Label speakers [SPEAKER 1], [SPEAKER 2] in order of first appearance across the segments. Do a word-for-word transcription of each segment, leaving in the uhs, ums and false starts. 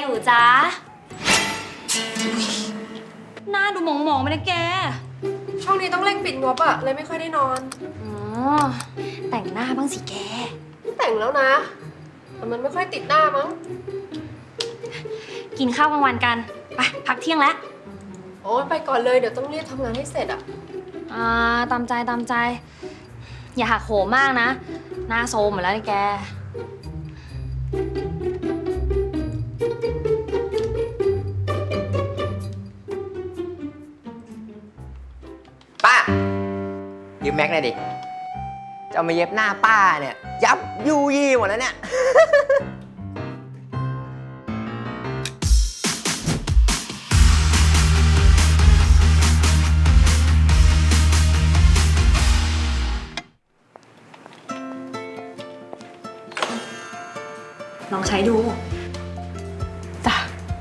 [SPEAKER 1] นูจ๊ะหน้าดูหมองๆไปนะแก
[SPEAKER 2] ช่วงนี้ต้องเร่งปิดงบอะเลยไม่ค่อยได้นอน
[SPEAKER 1] อ๋อแต่งหน้าบ้างสิแก
[SPEAKER 2] แต่งแล้วนะแต่มันไม่ค่อยติดหน้ามั้ง
[SPEAKER 1] กินข้าวกลางวันกันไปพักเที่ยงแล้ว
[SPEAKER 2] โอ้ยไปก่อนเลยเดี๋ยวต้องรีบทำงานให้เสร็จอะ
[SPEAKER 1] อ่าตามใจตามใจอย่าหักโหมมากนะหน้าโซมหมดแล้วนี่แก
[SPEAKER 3] ป้ายืมแม็กหน่อยดิจะเอามาเย็บหน้าป้าเนี่ยยับยูยี่หมดแล้วเนี่ย
[SPEAKER 1] ลองใช้ดูจ้ะ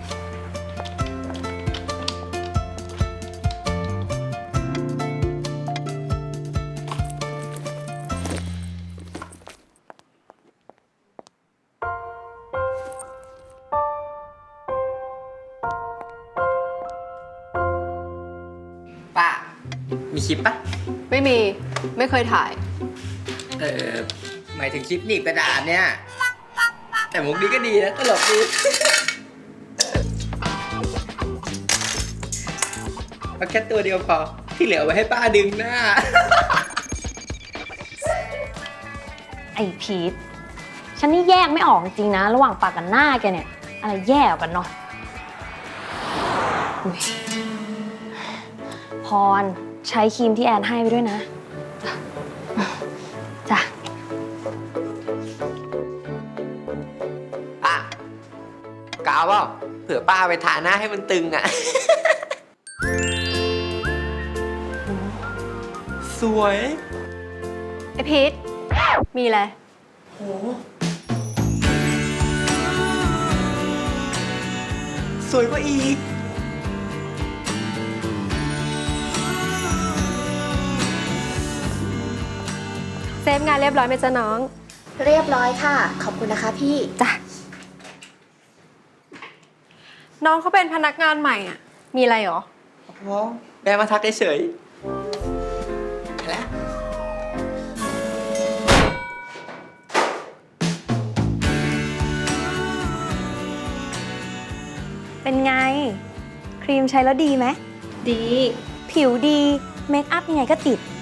[SPEAKER 3] ป้ามีคลิปปะ
[SPEAKER 2] ไม่มีไม่เคยถ่าย
[SPEAKER 3] เออหมายถึงคลิปหนีบกระดาษเนี่ยแต่มุกนี้ก็ดีนะตลกดีเอาแค่ตัวเดียวพอที่เหลือไว้ให้ป้าดึงหน้า
[SPEAKER 1] ไอพีทฉันนี่แยกไม่ออกจริงๆนะระหว่างปากกับหน้าแกเนี่ยอะไรแย่กว่ากันเนาะอุ๊ยพรใช้ครีมที่แอนให้ไปด้วยนะจ้ะจ้ะ
[SPEAKER 3] ป้ากาวเปล่าเผื่อป้าไปทาหน้าให้มันตึงอ่ะ สวย
[SPEAKER 2] ไอพีทมีอะไร
[SPEAKER 3] โหสวยกว่าอีก
[SPEAKER 2] เซฟงานเรียบร้อยไหมจ๊ะน้อง
[SPEAKER 4] เรียบร้อยค่ะขอบคุณนะคะพี่
[SPEAKER 2] จ้ะน้องเขาเป็นพนักงานใหม่อ่ะมีอะไรหรอ
[SPEAKER 3] อ๋อแม่มาทักเฉยไปแล้ว
[SPEAKER 1] เป็นไงครีมใช้แล้วดีไหม
[SPEAKER 2] ดี
[SPEAKER 1] ผิวดีเมคอัพยังไงก็ติด